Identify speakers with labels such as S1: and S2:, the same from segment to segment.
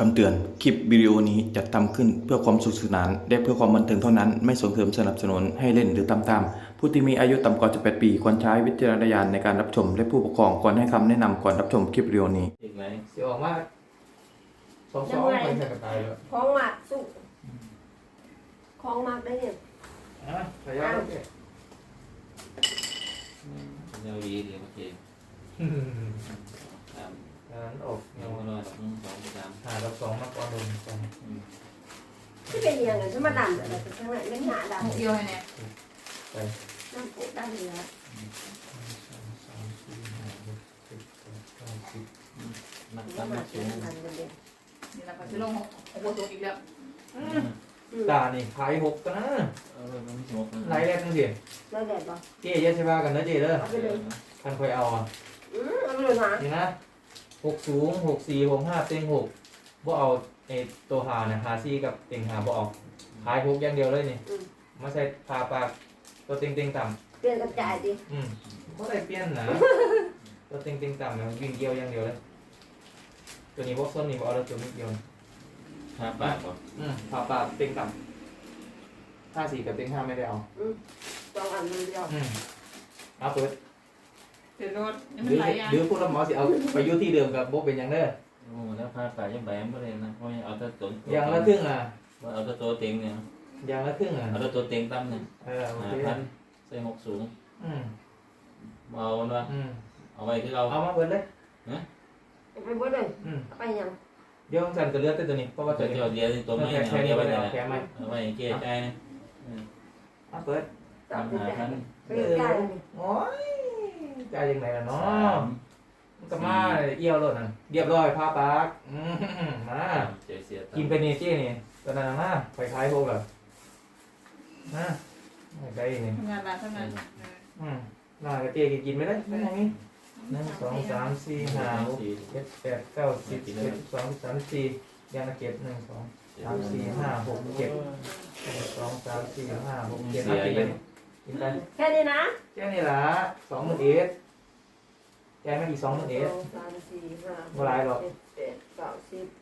S1: คำเตือนคลิปวิดีโอนี้จัดทำขึ้นเพื่อความสนุกสนานและเพื่อความบันเทิงเท่านั้นไม่ส่งเสริมสนับสนุนให้เล่นหรือตามตามผู้ที่มีอายุต่ำกว่า18 ปีควรใช้วิจารณญาณในการรับชมและผู้ปกครองควรให้คำแนะนำก่อนรับชมคลิปวิดีโอนี้
S2: อีกไหม
S3: สิออกมาสองไปใส่กระต่ายแล้ว
S4: ของหมักสุกของหมักได้เนี่ย
S3: อ่ะขยับเลย
S2: เดี๋ยวดีเดี๋ยวโอเคสาม
S3: นั้นออก
S2: เดี๋ยวรอดสองสาม
S3: หาเราสองมากกว่าหนึ่งสอง
S4: ที่เป็นยังไงจะมาดันอะไรแต่ข้างในไม่หนาดัน
S5: เดียวให้แน่
S3: ไป
S4: น้ำปุ๊ดันเหลือ
S3: สามสี่ห้าหกเจ็ดแปดเก้าสิบ
S2: นัก
S4: แล้ว
S2: ตั้ง
S4: มา
S2: นัก
S4: เป็
S2: สู
S4: น
S2: ง
S4: อันเดียว
S5: นี่แหละค่ะจะลงโอ้โหตัวอีกแล้ว
S3: ตานี่ขายหกกันนะ
S2: มันไม่สมบูรณ์
S3: ไล่แรกนั่นสิ
S4: แล้วแดดป่ะ
S3: เจ๊เยอะใช่ป่ะกันนะเจ๊เด้อ
S4: เอาไปเลย
S3: คันคอยเอาอ่ะ
S4: เอาไปเลยนะ
S3: นี่นะหกสูงหกสี่หกห้าเต็งหกบ่เอาไอ้ตัวหาเนี่ยหาซี่กับเต็งหาบ่เอาขายหกอย่างเดียวเลยนี่มาใส่พาปากตัวเต็งเต็งต่ำ
S4: เปลี่ยนกระจายดิ
S3: ก็ได้เปลี่ยนนะ ตัวเต็งเต็งต่ำเนี่ยวิ่งเกี่ยวอย่างเดียวเลยตัวนี้พวกส้นนี่พวกเอาแล้วตัวนี้เดียว
S2: ห้าบาทป่ะ
S3: ผ่าปากเต็งต่ำ5 4กับเต็ง5ไม่ได้เอา
S4: สองอันเดียว
S3: เอาเปิด
S5: เดี๋ยวรถนี่
S3: ห
S5: มัน
S3: รือ
S5: ไหลอ่ะ
S3: หรือพวกเราหมอสิเอาไปอยู่ที่เดิมกับโบเป็นอย่างเด้อ
S2: โอ้แล้วพาไปยังแบมไม่เลยนะเพราะเอาแต่ตัว
S3: อย่างละครึ่งอ่ะ
S2: เอาแต่ตัวเต็งเนี่ย
S3: อย่างละครึ่งอ่ะ
S2: เอาแต่ตัวเต็งตั้มเนี่ย
S3: โอ
S2: ห้า
S3: เค
S2: พันใส่หกสูง
S3: อืม
S2: เอาเนาะ
S3: อืม
S2: เอาไว้ที่เรา
S3: เอามาเปิดเลย
S4: ไปเบิดเลย
S3: อืม
S4: ไปยัง
S3: เดี๋ยวสันจะเลือกตัวนี้เพราะว่า
S2: ตั
S3: ตัว วนี้
S2: เดียวเดียวตัวไม่เอาเดียวไปไหนเอาไว้เกลี่ยใจนะ
S3: เอาเปิด
S4: ตับ
S2: ทำหาพัน
S4: ไปใกล้เลย
S3: โอ้ยใจยังไงล่ะเนาะมันก็มาเอี่ยวรถน่ะเรียบร้อยผ้าปากมา
S2: เสียเสีย
S3: กินไปนี่เจ๊นี่ตอนนั้นนะไปขายพวกแบบนะได้นี่
S5: ทำงานร้านทำงาน
S3: น่าจะเจ๊กินไม่ได้ไม่ได้นี่1 2 3 4 5 6 7 8 9 10 11 12 13 14ยางละเก็บ1 2 3 4 5 6 7 1 2 3 4 5 6 7กินไปกินไป
S4: แค่นี้นะ
S3: แค่นี้ละ20,000เอ็ดแกไม่อีก20,000เอ็ด
S4: สามสี่ห้า
S3: บ่หลายหรอก
S4: เจ็ดเก้าสิบ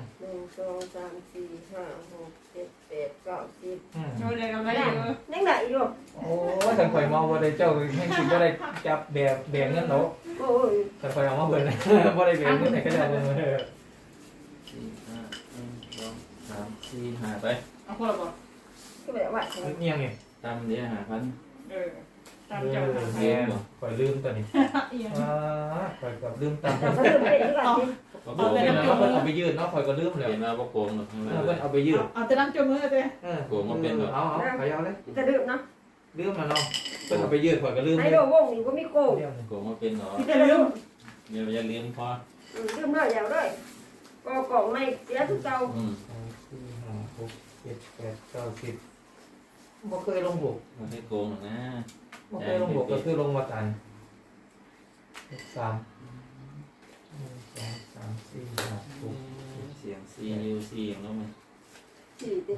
S4: 1 2 3 4 5 6 7 8 9 10
S5: โดนเลยกำไรเยอะ
S4: นั่งไหนอยู่
S3: โอ้ยฉันคอยมองว่าได้เจ้าให้กินว่าได้จับแบกเงินเนาะ
S4: โอ้ย
S3: ฉันคอยเอามาเบิ่งว่าได้แบกเงินไหนก็ได้เบิ่งเลย
S2: สี่ห้าหนึ่งสองสามสี่ห้าไป
S5: เอาคนละบอก
S4: ก็แบบว่า
S3: เงียงนี่
S2: ตั้มเดี๋ยวหาพัน
S5: เออตามเจ้าค่ะ
S3: แม่คอยลืมตัวนี้
S5: เอียง
S3: คอยกับลืมตาม
S4: แต่เขาลืมไปอีกก่อนดิ
S2: ก็โก
S3: เอา
S2: ง
S3: ไป
S2: เป็น
S3: เอาไปยืดเนาะคอยก็ลืมแล้ว
S2: เห็นว่าโกงหรอก
S3: เอาไปยืด
S5: เอาแต่น้ำจมมือเลย
S3: เอาไปเอาเลย
S4: จะลืมเนาะ
S3: ลืมมาเนาะเพิ่นเอาไปยืดคอยก็ลืม
S4: ไอ้
S3: เลย
S4: โดวงนี่ก็มีโกง
S2: โกงมาเป็นหรอ
S5: พี่จะลืม
S2: เดี๋ยวจะเลี้ยงพอ
S4: ลืมเลยอย่างเลยก็กล่องไม่เสียทุกเก่า
S3: 4 5 6 7 8 9 10บ่เคยลงบก
S2: ไม่ให้โกงหรอกนะ
S3: บ่เคยลงบกก็คือลงมาตัน3 1 2 3 4 5 6
S2: เสียงซียูซีอย่างนั้นไหม
S4: สี่ติ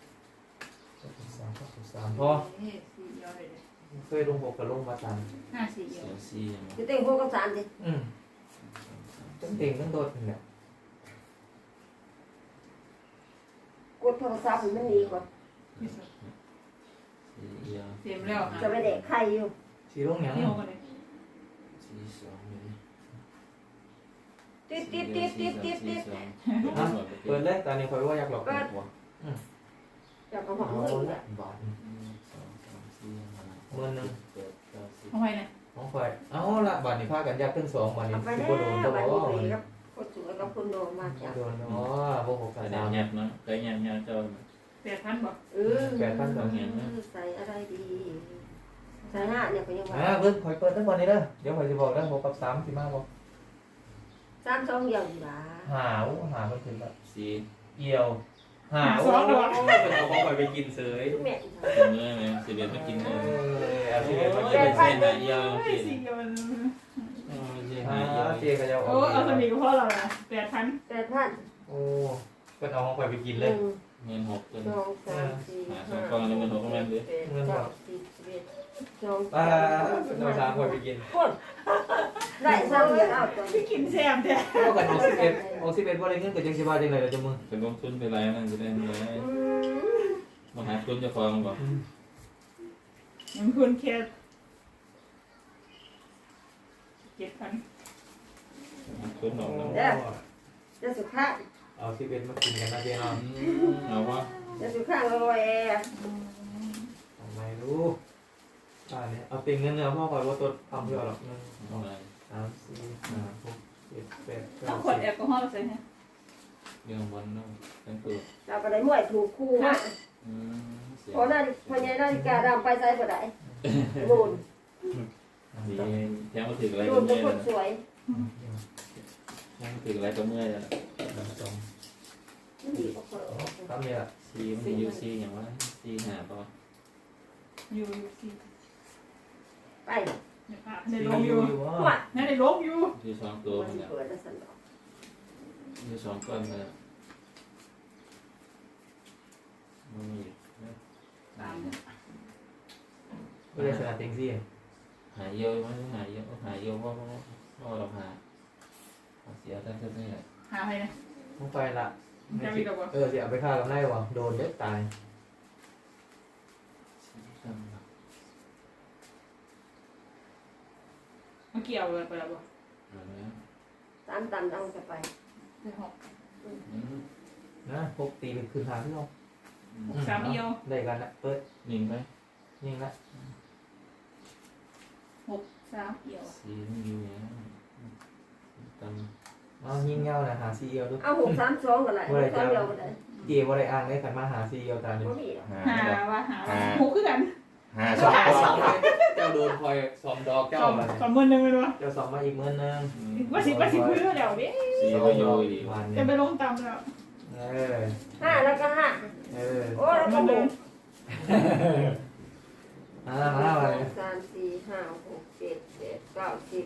S3: 3พอ
S5: สี่เดียวเลย
S3: เคยลงบกกับลงมาตัน
S5: 4เดีย
S2: เสี
S5: วย
S2: งซีอย่างนั้น
S4: จะเต็งพวกกับสารดิ
S3: ตั้งเต่งตั้งโดดนี่แหละ
S4: กดโทรศัพท์มันดีกว่า
S2: ซีเอียว
S5: เต็มแล้ว
S4: จะไปเด็กใครอยู่
S3: สีลงหยัง
S5: นี่เอากันเลย
S2: ซีสองเลย
S4: ติดติดติดติดติดติด
S3: เปิดเลยตอนนี้คอยว่าอยากหลอกหัว
S4: อยากกระหอบ
S3: เอา
S4: เงิน
S3: ละบาท
S2: สองสามสี่ห้า
S3: เมื่อนึง
S2: เจ็ดเก้าสิบ
S5: เอาไว้เนี่ย
S3: ของคอยเอาละบาทนี่พากันยากขึ้น2บาทนี่
S4: เอาไป
S3: สิ
S4: แล้
S3: บ่โดนตัว
S4: ว
S3: บ่
S4: บัตร
S3: โ
S4: นี้ครับคนสวยกับคนโดนมาจาก
S3: ดนอ๋อบ่หก
S2: แต่
S3: สาม
S2: แยบนะแต่แยบเจ้า
S5: 8,000บอก
S4: ใส่อะไรดีใส่หน้าเนี่ยก็ยังว่า
S3: เพิ่นคอยเปิดทั้งวันนี้เด้อเดี๋ยวคอยสิบอกเด้อ6กับ3สิมาบ่
S4: สามสองอย่างดีล่ะ
S3: หาเพิ่นขึ้นละ
S2: สี่
S3: เอี่ยวหาเพิ่นเอาของคอยไปกินเสย
S4: ทุกแม่
S2: เมื่อไหร่สิเบียดมากินเลย
S3: เอาสิเฮ็ดมา
S2: เ
S3: กิน
S2: เส้นหาเอียว
S5: เฮ้ยสี่เดียวมัน
S2: เส้นหาเอียว
S3: เจ๊ก็จะ
S5: โอ้เอาสมีกับพ่อเราละ8,000
S4: แต่ท่าน
S3: โอ้ก็เอาของข่อยไปกิน
S4: ห
S3: เลย
S4: นึ่ง
S2: เงินหกเป็น
S4: สองสามสี่
S2: หาสอ
S4: ห้าง
S2: กองเลยมันหกประมาณ
S4: เจ็
S2: เดือ
S4: ดแปดเก้าสิบสิบเอ็ดสอง
S3: ป้า
S4: สาม
S3: เป็นเอาสามข่อยไปกิน
S4: คนได้ซ้ำเลยเอาตัว
S5: พี่กินแซมแท้
S3: เท่ากันออก11บ่ได้เงินกับจังสิว่าจังได๋ล่ะจ้ะมึง
S2: จะลงทุนไปไรนั่นจะได้เงิน
S4: อืม
S2: มาหาทุนจะฟองก่อน
S5: ยังคุณแค่7,000
S2: หาทุนออกแล้ว
S4: จะสุขะ
S3: เอา11มากินกันนะเจ๊เนาะ
S2: เอาวะ
S4: จะสุขะลอยแอร์
S3: ทำไมรู้เนี่ยเอาติงเงินเนื้อพ่อคอยว่าตัวทำเพื่อหรอก1
S2: เอาอะไร
S3: 2 3 4 5 6 7 8
S5: ต้องขวดแอลกอฮอล์ใส่ฮะ
S2: เรื่องบอลนู่นเป็นตัว
S4: เราก็ได้มวยถูกคู่ฮะ
S2: เสีย
S4: เพราะนั่นพอใหญ่นาฬิกาดำไปใส่บ่ได้โดน
S2: ดีแทงมาถึงอะไร
S4: โด
S2: ก็
S4: นเป็
S2: เมื่
S4: น
S2: อย
S4: คนสวย
S2: แทงมาถึงอะไรก็เมื่อยแล้ว
S4: ดีกว่าคน
S3: ตามเนี่ย
S2: ซีมันยูซีอย่างว่าซีหาป่ะ
S5: อยู่สิ
S4: ไป
S5: ในลงอยู่
S4: หัว
S5: นั่นในลงอยู่
S2: ยูสองตัว
S4: มัน
S2: เนี่ย
S4: เปิดแล้วสันดอก
S2: ยูสองก้อนเลยมันมี
S5: ตาม
S3: ก็เลยชนะติงซี่
S2: หายเยอะมั้ยหายเยอะหายเยอะว่าเราหาเสียทั้งนี้แหละ
S5: หาไปนะ
S3: ต้องไปละ
S5: จะมีกับว่า
S3: เสียไปฆ่ากับนายว่ะโดนเด็ดตาย
S5: มาเกี่ยวเลยไปแล้วบ่
S4: ตามตามดังจะไป
S5: ได้หก
S3: นะพกตีเป็นคืนหาที่เรา
S5: 3เอียว
S3: ได้กันละเปิด
S2: ยิงไป
S3: ยิงละ
S5: 3เอียว
S2: ซีมันอยู่เนี่ยตำ
S3: เอายิงเงานะหาซีเอลดู
S4: เอา632กันเลย6เดียวก็ได้
S3: เจีบ่ได้อ่างได้ขันมาหาซีเอลตามนี้
S4: บ่มีหรอก
S5: หาว่าหกคือกัน
S2: หา
S3: สองเจ้าโดนคอยสอมดอกเจ้ามา
S5: สองหมื่นหนึ่งเลยว่ะ
S3: เจ้าสอมมาอีก10,000นึง
S5: ว่าสิพื้นเดี๋ยวดิ
S2: ซีมันอยู่ดี
S3: วัน
S5: จะ
S3: นี้
S5: ไปลงตามแล้ว
S4: 5แล้วก็5 โอ้แล้วก็6
S3: มามาเลย
S4: 3 4 5 6 7 8 9 10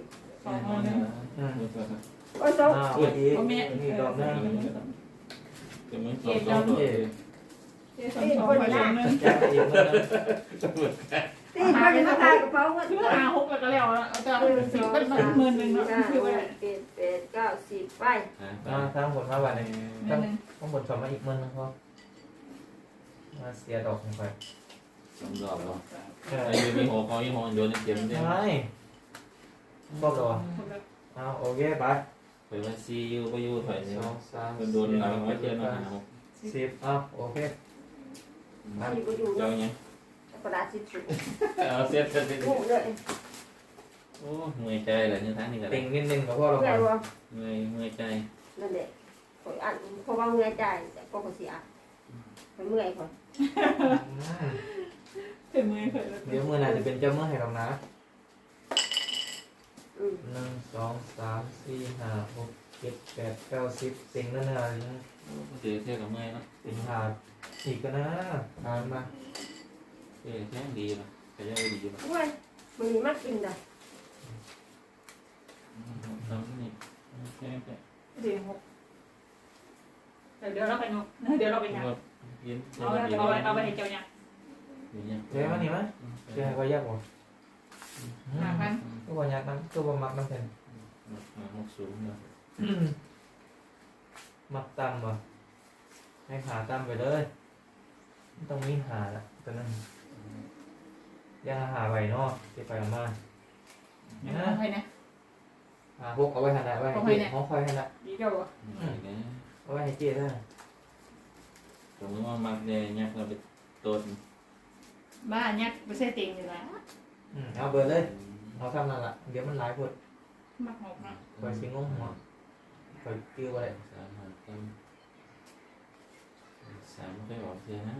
S4: โอ้ยสอง
S3: อีกดอกนึง
S2: จะไม่สองตัว
S5: เจ๊สองไปลงนึง
S3: แจ้งอีก10,000นึง
S2: จะเหมือนกัน
S4: ตีมันจะมาทายกระเป๋าเงิน
S5: คือหาหกแล้วก็แล้วเอาจะ
S4: 1
S5: สิบ
S4: 2
S5: เป็น
S4: 3
S5: หมื่นหนึ่ง
S4: 4
S5: เนาะ
S4: 5
S5: คือว่า
S4: 6 7 8 9 10ไป
S3: มาทั้งหมดมาวันนี้
S5: หมื่นหนึ่ง
S3: ทั้งหมดสอมมาอีก10,000นึงพอมาเสียดอกลงไป
S2: สองดอกเนาะไอ้ยูมีหัวคอยี่ห้อโดนเจ็บเนี่ย
S3: ใช่ครบแล้วเอาโอเคไป
S2: ไปว่าซียูไปยูถอยเนี่ย
S3: 2 3
S2: มันโดนอะไรไว้เจอมาหา
S3: 10เอาโอเค
S4: มันอยู่ก็อยู่
S2: เจ้าเนี้ย
S4: กระดาษสิบสูง
S2: เอาเสียเสียเสีย
S4: งูเลย
S2: โอ้เมื่อยใจเลยเนี่ยทั้งนี้กัน
S3: ติงนิดนึงกับพ่อเรา
S4: เงื่อนวะ
S2: เมื่อยใจ
S4: นั่นแหละข่อยอ่านเพราะว่าเงื่อนใจแต่ก็ข่อยเสียข่อยเมื่อยข่อย
S5: ถึงมือเคย
S3: เดี๋ยวมือไหนจะเป็นเจ้ามือให้เรานะ
S4: อืม
S3: 1 2 3 4 5 6 7 8 9 10ติงนั่นน่ะ
S2: เสียเที่ยวกับเมื่อยเนาะ
S3: ติงหาอีกก็นะทานมา
S2: เที่ยวแค่ดีป่ะแต่ยังดีป่ะ
S4: เว้ยมันมีมากกินได้
S2: ทำนี่แค่แค่
S5: เดี๋ยวหกเดี๋ยวเราไปนกเดี๋ยวเราไปยัง
S2: ยิน
S5: เอาไปให้เจ้าเนี่ย
S3: เจ๊มานี่มั้ยเจ๊ก็ยากบ่
S5: 5,000
S3: ก็บ่ยากมันก็บ่มักมันแทน
S2: หกสูงเนาะ
S3: มักต่ำบ่ให้หาต่ำไปเลยต้องมีหาละตัวนั้นอย่าหาไว้เนาะสิไปมา
S5: เอาไปนะ
S3: หาพวกเอาไว้หั่นน่ะไว้ให้เจ๊ของคอยหั่นน่ะ
S5: ดีเจ้าบ่
S3: เอาไว้ให้เจ๊เด้อ
S2: สมมติว่ามักเนี่ยยักเราไปต้น
S5: บ้านยักไม่ใช่ติงอยู่แล้ว
S3: เอาเบิดเลยเอาทำนั่นล่ะเดี๋ยวมันหลายพด
S5: มักหกเนาะ
S3: คอยสิงงหัวคอยกิ้วบ่ได้
S2: สามหาเต็มสามไม่บอกเสียนะ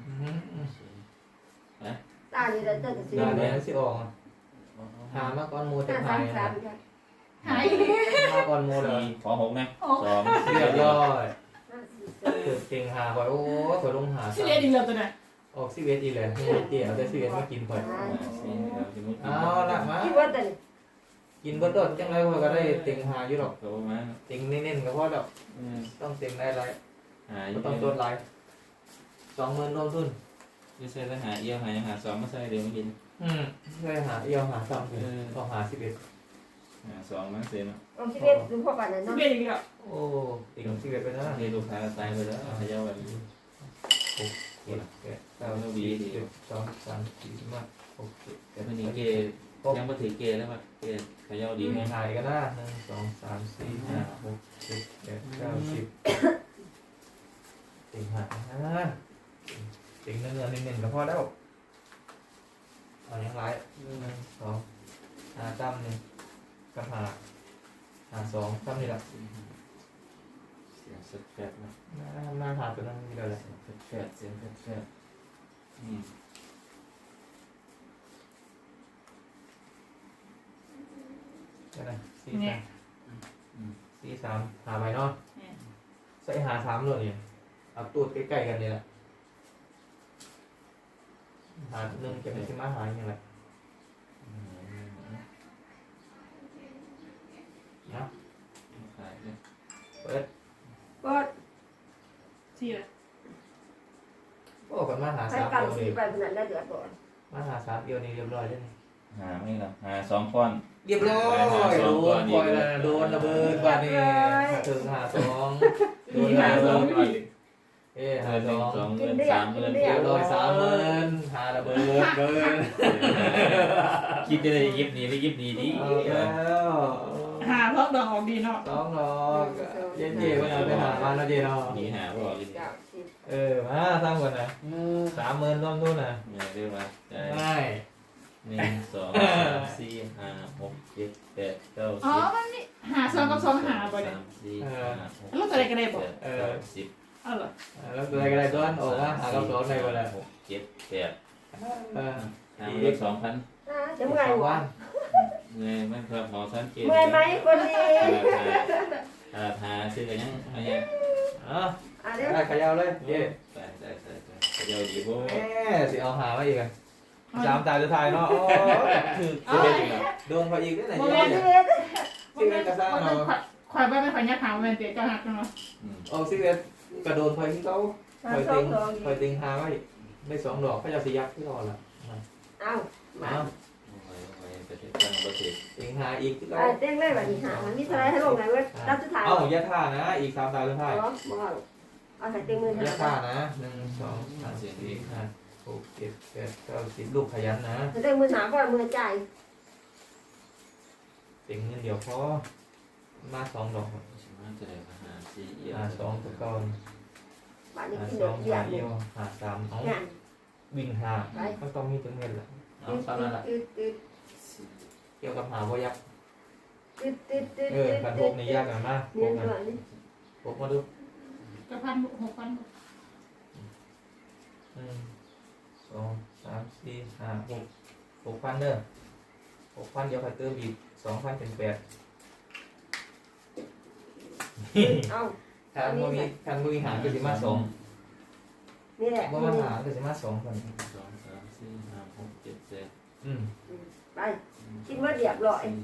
S4: ตานี่ได้เจอกับสิ
S3: เดี๋ยวนี้สิออกหามาก่อนหมู่จะ
S4: ห้า
S3: หา
S4: สาย มสาม
S5: หาย
S3: มาก่อนหมู่เลย
S2: ขอหกนะสอง
S3: เรียบร้อย
S4: ห้าสี่ส
S3: เกิดเก่งหาข่อยโอ้ข่อยลงหา
S5: สิเรียนอีกแล้วตัวน่ะ
S3: ออก11อีกแล้วให้เจ๊เอาแต่11มากินข่อยเอาละมา
S4: ที่ว่าแต่
S3: กินเบิดโดดจังไรข่อยก็ได้เต็งหาอยู่ดอก
S2: เขามา
S3: เต็งเน้นๆก็พอดอกต้องเต็งได้หลาย
S2: หา
S3: ก็ต้องตัวลาย20,000รวมทุน
S2: ไม่ใช่แล้วหาเอี่ยวหายังหาสองมาใส่เดี๋ยวมากิน
S3: ใช่หาเอียวหาซ้ำเลยต้องหา11
S2: หาสองมาเสร็จเนาะ
S4: เอาชีวิตดูพวกกันนะ
S5: สิ
S4: เนาะ
S5: เบียอีกแล้ว
S3: โอ้ติ่ง11ไปนะ
S2: เรียนลูกค้าตายไปแล้วขยับแบบนี้
S3: 7 8 9 10 11 12 13 14 15 16
S2: แต่คนนี้เกยังมาถือเกแล้วมาเกขยับดี
S3: 17
S2: ไหม
S3: หายกันนะ1 2 3 4 5 6 7 8 9 10ติ่งหาติ่งเนื้อๆนิ่มๆก็พอแล้วเอาอย่างไร1 2หาตั้มหนึ่งกับหา2ตั้มนี่แหละ
S2: เสียงสแฟดนะ
S3: มาหาตัวนั้นนี่เดียวเลย
S2: แฟดเสียงแฟดอืม
S3: ก็ได้สี่
S5: เนี่
S3: สาย มหาไปเนาะใส่หา3เลยเนี่ยเอาตูดใกล้ๆกันนี่แหละหาหนึ่งจะไม่ใช่มาหาอย่างไรนะ
S2: ขายเนี่ย
S3: เปิด
S4: ก็
S5: สี่เลย
S3: โอ้กันมาหา
S4: ใช้
S3: 3
S4: กัน
S3: เดียว
S4: สี
S3: นี่
S4: ไปขนาดนั้นเดือดก่อน
S3: มาหา3 เดียวนี่เรียบร้อยแล้วนี่
S2: หาไม่หรอหาสองก้อน
S3: เรียบร้อยโดนปล่อยแล้วโดนระเบิดบาดนี่ถึงหา2โดนหา
S2: สองก้อน
S3: หา
S2: หนึ่ง
S3: 2
S2: สองเงินสามเงิน
S3: เรียบร้อย30,000หาระเบิดเกิน
S2: คิดได้เลยยิบนี้ไม่ยิบนี้ดิ
S3: เอาแล้ว
S5: หาเพราะดองออกดีเนาะ
S3: 2 ดอกเจ๊ๆก็เอาไปหามาแล้วเจ๊เนาะ
S2: หนีหาบอกกิน
S4: 9 10
S3: มาสร้างก่อนนะ30,000รวมทุนนะ
S2: เนี่ยเรียกว่าใจ
S3: ง่าย
S2: 1 2 3 4 5 6 7 8 9
S5: อ๋อมันนี่หาซองกับซองหาบ่เนี่ย
S2: 3 4 5 6
S5: ลูกอะไรกันได้บ่
S2: 10
S5: เอาเหรอ
S3: แล้วตัวอะไรก็ได้ต้นออกมาหากับ2ในวันละ
S2: 6 7 8
S3: เออ
S2: หาเลข2,000
S4: จะเมื่อยหัว
S2: เงยมันครับหมอสังเกต
S4: เมื่อยไหมคนดี
S2: หาซื้อกันยังอะไรยัง
S3: อ่ะ
S4: เดี๋ยว
S3: ได้ขยาวเลยเจ๊
S2: ได้เดี๋ยวดีพวก
S3: แม่สิเอาหามาอีกอ่ะ3 ตาสุดท้ายเนาะโอ้ถือ
S5: เอา
S3: โดนเขาอีกได้ไหน
S4: โม
S3: เจ๊
S4: เมนต์
S3: สิเวกระซ่าเนาะ
S5: ข่อยบ้านไม่ข่อยยักหางมันเตี๋ยเจ้าหักเนาะ
S3: โอ้สิเวกระโดนคอยที่เขาคอยติงหาไว้ได้2 ดอกก็จะสิยักที่รอละ
S4: เอามา
S3: เอา
S2: ประเทศตั้งประเทศ
S3: ติงหาอีกที่เขา
S4: เต้งเลยแบบนี้หามันมีอะไรให้ลงไหนเว้ยรับสุดท้าย
S3: เอาอย่าท่านะอีก3 ตาสุดท้าย
S4: บอกเอาใส่เต็มมือ
S3: อย่า
S4: หา
S3: ท่านะ1 2 3 4 5 6 7 8 9 10ลูกขยันนะ
S4: ใส่เต็มมือหาก็มือจ่าย
S3: ติงเงินเดียวพอมา2 ดอก
S2: ใช่ไหมจะได้หาสี่เอี่ย
S3: หา2ตัวก่อน
S4: บ้านนี้
S3: หา
S4: กิน
S3: 2
S4: เดือด
S3: หา
S4: เดี
S3: เดี
S4: ย
S3: ยว วหา3เอา
S4: งาน
S3: วิ่งหาก็ต้องมีถึงเงินแหละเอาตามนั้นแหละ
S4: ตืด
S3: เกี่ยวกับหาบ่ยัก
S4: ตืดตืดตืด
S3: กันพกนี่ยากหน่อยมากพ
S4: เรีย
S3: ก
S4: น
S3: นะ
S4: ด่วนนี่
S3: พกมาดู
S5: กับ6,000
S3: 1 2 3 4 5 6 6,000เด้อ6,000เดี๋ยวใครเติมอีก2,000เป็น8
S4: เอา
S3: คันบ่มีหารก็สิมา2
S4: นี่แหละ
S3: บ่มาหารก็สิมา2คน
S2: 2 3 4 5 6 7 8
S4: ไปกินว่าเดียบร้อย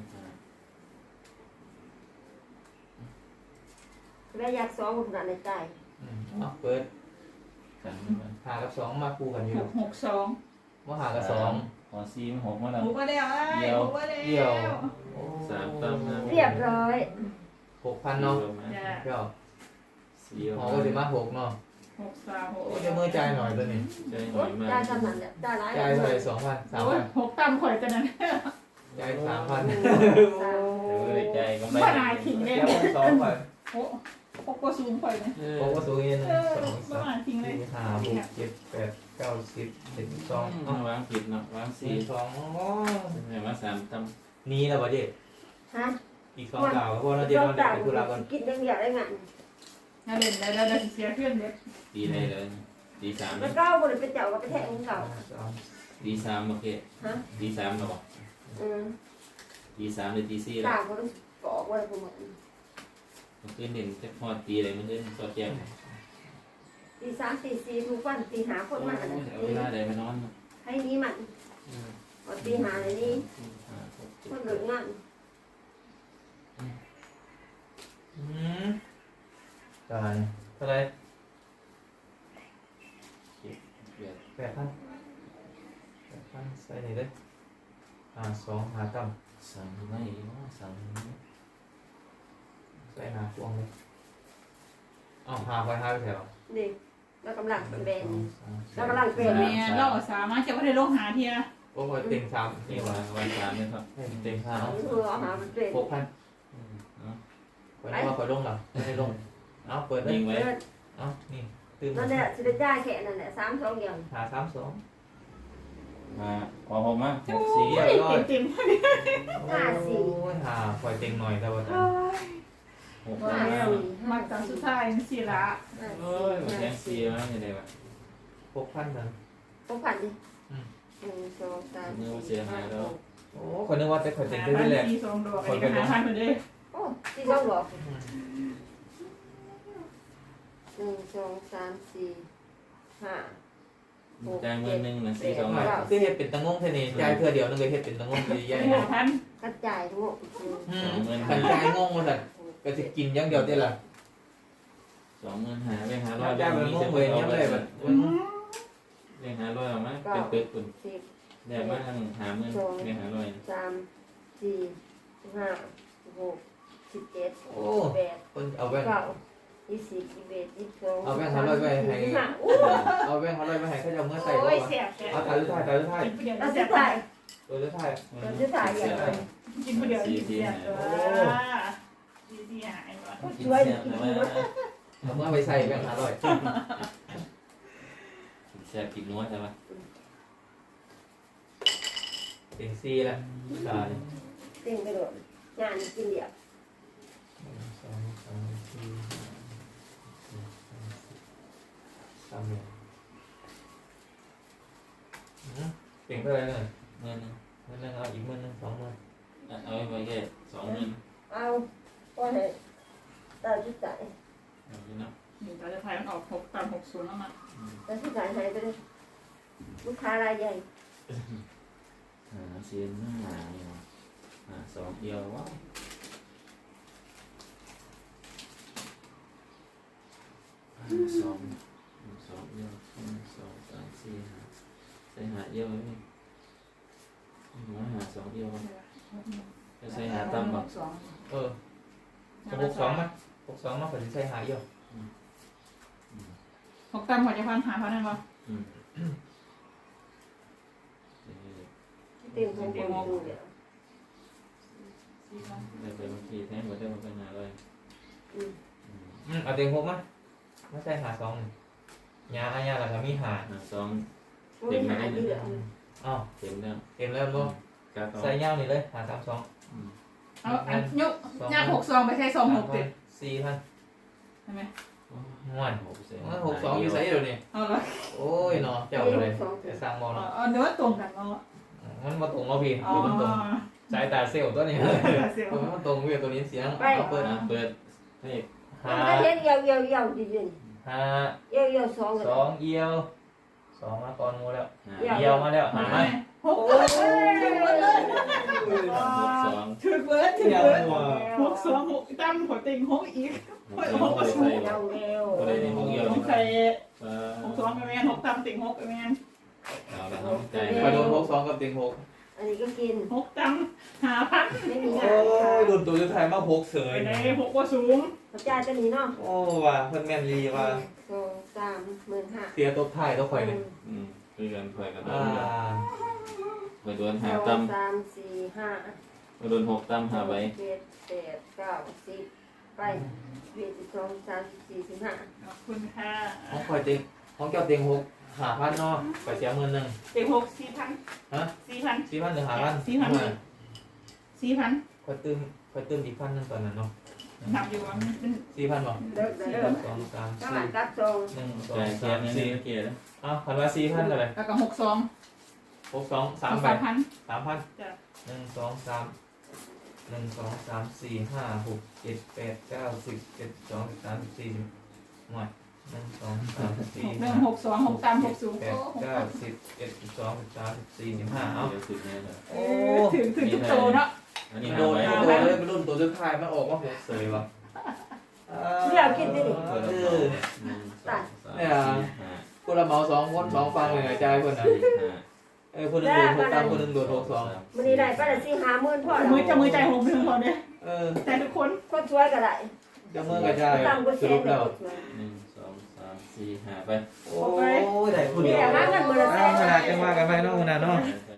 S4: แล้วอยากซ้อมขนาดในใจ
S3: เอาเปิด
S2: กัน
S3: หากับ2มาคู่กันอยู่
S5: 662
S3: บ่หากับ2
S2: พอซีม6มาแล้ว
S5: หมูมาแล้วไอ้หมูมาแล้ว
S3: เดี่ยว
S2: 3ตั้มนะ
S4: เรียบร้อย
S3: 6,000เนาะ
S5: จ้ะ
S3: เจ้า
S2: สี่
S3: หอก็สิมา6เนาะ
S5: 636
S3: โอ้จะมือจ่ายหน่อยตัวนี้
S2: ใจหน่
S4: โอ้
S2: อยมาก
S4: ได้ขนาดเนี่ยได้หลาย
S3: จ่ายเท่าไหร่2,000
S5: โอ้ย
S3: 3,000
S5: 6ตำข่อยกันนั้น
S3: จ่าย3,000
S2: เดี๋ยวเลยใจก็ไม่
S5: บ่นายทิ้งเลย
S3: เดี๋ยว2ก่อน
S5: โอ้6บ่สูงข่อยนะ
S3: ผมก็สูงอีก1
S5: บ่นายทิ้งเลย
S3: 2 3 4 5 6 7 8 9 10 12
S2: ต้องวางผิดเนาะวางสี่
S3: 12อ๋อ
S2: ให้มา3ตั้ม
S3: นี่แล้วบ่เจ๊
S4: ฮะ
S3: อีก2ดาวก็พอแล้วเจ๊
S4: ต้อ
S3: เรา
S4: ง
S3: ได้
S4: จ่าย
S3: ไปธุระก่อน
S4: กินยังอยากได้งาน
S5: น่าเล่นแล้วเสียเพื่อนเด็ด
S2: ตีได้เลยตีสาม
S4: แล้วก็บริเป็นเจ้าก็ไปแทงของเก่า
S2: ตีสามโอเคตีสามหรอตีสามหรือตีสี่หรอ
S4: ต่างคนบอกว่าผม
S2: มันขึ้นเด่นจะพอตีอะไรมันขึ้นตัวแก้ว
S4: ตีสามตีสี่ทุกวันตีหาคนมา
S2: เอาเวลาใดไปนอน
S4: ให้นี้มันตีหาอะไรนี่คนเหลืองาน
S3: ตายเท่าไหร่
S2: แปด
S3: 8,000ใส่นี่เลย2หาต่ำ
S2: สั่งไม่สั่ง
S3: ใส่หาพวงเลยหาไปหาไปแถว
S4: นี่เรากำลังเป็น
S3: 2 3
S4: เรากำลังเป็น
S5: แม่เราสามารถจะไม่ได้ลงหาเทีย
S3: โอ้ยเต็ง3
S2: นี่
S3: นี่
S2: วั
S3: ว่าน
S2: สามเนี่ยครับ
S3: เต็ง5
S4: เอา
S3: เนาะ
S4: เพื่อเอาหาเป็น
S3: 6,000ข่อยนึกว่าข่อยลงหรอไม่ได้ลงเปิดเลย
S2: ยิงไว้
S3: นี่ตื่น
S4: นั่นแหละสิได้จ่ายแค่นั่นแหละ3-2เดียว
S3: หา32
S2: มาขอผมมา
S3: หกสี่
S5: เต็
S3: เรียบร้อย
S5: มเต็ม
S3: โอ้ยหาข่อยเต็งหน่อยแต่ว่า
S2: หก
S4: ห้า
S2: มา
S4: สี่
S5: มาตอนสุดท้ายสิละ
S2: เอ้ยแทงซีมาอย่างไรวะ
S3: 6,000นั่น
S4: 6,000ดิ1 2 3 4 5 6
S3: โอ้ข่อยนึกว่าแต่ข่อยเต็ง
S5: หา
S3: ได้
S5: พัน
S3: แหละ
S5: สี่สองดอกอันนี้ก็หาพันไปเลย
S4: โอ้ที่ต้องบอก1 2 3 4 5
S2: จ่ายเงินหนึ่งนะสี่สอง
S3: คือเฮ็ดเป็นตะงงเท่านี้จ่ายเพื่อเดียวนึงเลยเฮ็ดเป็นตะงงใหญ่
S5: หาพัน
S4: กระจายทั้งหมด
S3: ขันจ่ายงงมาสั่นก็จะกินอย่างเดียวได้ล่ะ
S2: สองเงินหาไปหาร้อย
S3: จ่ายแบบงงเลยเงี้ยเลยแบบ
S2: เรียกหาร้อยออกมาเป็นตึกคุณ
S4: 10
S2: เดี๋ยวมาทางหาเงินเรียกหาร้อย
S4: 3 4 5 6 17
S3: โอ้
S4: 8
S3: คนเอาแบงค์
S4: 9 20 21 22
S3: เอาแบงค์500ไปให้
S4: 25อู้
S3: เอาแบงค์500ไปให้เขาจะเอาเมื่อใส่
S5: โอ้
S3: บ่
S5: ย
S3: วะ
S5: เสียบ
S3: เอาถ่ายรูปถ่ายถ่ายรูปถ่าย
S5: กินผู้เดียว
S4: เรา
S5: เสี
S4: จะ
S5: ยบ
S4: ถ่าย
S3: ตัวรูปถ่าย
S4: เราจะถ่ายอย่างไร
S5: กินผู้เดียวเสียบดีหายว่ะ
S4: ช่วยกินดีมาก
S3: เอาเมื่อไปใส่แบงค์500
S2: แซ่บกินนัวใช่ไหม
S3: เต็งซีละตาย
S4: เต็งกระโดดงานกินเดียว
S3: 1 2 3 4 3เนี่ยเต็งเท่าไหร่เนี่ย
S2: เงิน
S3: เงินนึงเอาอีก10,000 20,000
S2: เอาไปแค่สองเงิน
S4: เอาก็ให้ตาจุดจ่าย
S2: เอาไปเนาะ
S5: เดี๋ยวเราจะถ่ายมันออก6 3 6 0แล้วมา
S4: ตาจุดจ่ายหายไปเลยลูกค้ารายใหญ่
S2: หาเสียนหน้าหาสองเดียวว้าวสองเดียว2 3 4 5ใส่หาเดียวไหมมาหาสองเดียวจะใส่หาตั้มบ่
S3: 62มา62มาผมจะใส่หาอยู่
S5: 6ตามหัวใจพันหาพันได้ป่ะ
S4: เต็มของคนดูเดียว
S2: ได้ไปบางทีแท้หมดได้มาเป็นหาเลย
S3: เอาเต็ง6มาไม่ใช่หา2ยาอาญาแล้วก็มีหา
S2: หาสอง
S4: ไม่หายเดือด
S3: อ้าว
S2: เต็มแล้ว
S3: เต็มแล้วบ่
S2: กา
S3: ใส่ยาวนี่เลยหา32
S5: เอาอันยกยาก6 2ไปใช้2 6เต็ม
S3: 4,000
S5: ใช่ไหม
S3: ม่วน 62อยู่ไสเดี๋ยวนี้
S5: เอาละ
S3: โอ้ยเนาะเจ้าเลยแต่สร้างบ่เนาะ
S5: เอาเนื้อตรงกันเนาะ
S3: มันมาตรงเนาะพี่
S5: อ๋อ
S3: มันตรงสายตาเซลล์ตัวนี้
S5: เสียว
S3: มันตรงพี่ตัวนี้เสียงเอาเปิด
S2: เปิดให้
S3: หา
S4: มันก็เห็นเยี่ยวเยี่ยวเยี่ยวจริง
S3: หา
S4: ๆเยี่ยวเยี่ยว2กัน
S3: 2เอียว2มาก่อนงูแล้ว
S2: หา
S3: เอียวมาแล้วหาไหม
S5: 6
S4: โอ้ย
S2: สอง
S5: ถือเบิร์ดถือเบิร์ด6 2 6ตั้มหัวติง6อีก
S2: ใส่
S4: เยี่ยวเยี่ยว
S2: ก็ได้ในห้องเดียว
S5: ใส่6 2ไปแม่น6ตั้มติง6ไปแม่น
S2: เอาละเอาใจ
S3: ไปโดน62กับเต็ง6
S4: อันนี้ก็กิน
S5: 6ตั้มหาพัน
S4: ไม่มี
S3: โอ้
S4: งาน
S3: ยโดนตัวสุดท้ายมา6เส
S5: ไป
S3: ย
S5: ไหน6ว่าสูง
S4: กระจายจะหนีเนาะ
S3: โอ้ว่ะเพิ่นแม่นลีว่ะ
S4: 2 3 15,000
S3: เสียตัวท้ายตัวข่อยนี่
S2: คือกันคอยกัน
S3: อ่า
S2: คอยโดนหาตั้ม
S4: 2 3 4 5
S2: คอยโดนหกตั้มหาไว้
S4: 7 8 9 10ไป12 3 4 15
S5: ขอบคุณค่ะ
S3: ของข่อยเต็งของเจ้าเต็ง6 5,000เนาะไปเสีย10,000นึง
S5: ติง6 4,000
S3: ฮะ
S5: 4,000
S3: 4,000หรือ5,000
S5: 4,000
S3: ข่อยตื้มอีก1,000นึงตอนนั้นเนาะ
S5: นับอยู่ว่ามันเป็น
S3: 4,000บ่
S4: เลิกเลิก
S3: 2 3
S4: ถ้าหลังกับทรง
S3: 4 1
S2: ใจ
S3: 2
S2: แค่
S3: 3
S2: นี้
S3: 4
S2: เกียร์
S3: อ้าวคันว่า4,000เท่าไหร่
S5: แล้วก็6 2
S3: 62 3ใบ
S5: 3,000
S3: 3,000
S5: จ้ะ
S3: 1 2 3 1 2 3 4 5 6 7 8 9 10 11 12 13 14หน่วย1 2 3 4
S5: 1
S3: 5
S5: 6 2 6 3 6 0
S3: 8 9 10 11 12 13 14 15เอ้า
S2: เดี๋ยวสุดแน่เลย
S3: โอ้
S5: ถึงทุกโตเนาะ
S2: อันนี้
S3: มัน
S2: หา
S3: โดน
S2: ไว้
S3: โดนเลยมันรุ่นตัวสุดท้ายมันออกมาหกเสยวะ
S4: อยากกินดิ
S2: เปิด
S3: เอ
S2: ต่อ
S3: อ
S2: 1 2 3 4 5
S3: พวกเราเมา2 คน 2 ฟังเลยเลยนะจ่ายคนนะ
S2: สี่ห้า
S3: คนหนึงโดดหกตามคนหนึงโดดหกสอง
S4: มันนี่ได้ป้าแต่สี่50,000พ่อ
S5: มือจะมือใจหงไปทั้งคนเลย ใจทุกคน
S4: คนช่วยก็ได้
S3: จะเมื่อก็จ่าย
S4: ตามก็
S3: ส
S4: เซ็
S3: รุ
S4: น
S3: ป
S4: เล
S3: แล้ว
S2: หนึ่งสองสามสี่ห้าไป
S3: โอ้ยได้คน
S4: นี่
S3: เดียว
S4: แหละหาเงินมื้อละแสน
S3: ขนาดจังว่ากันไปเนาะขนาดเนาะ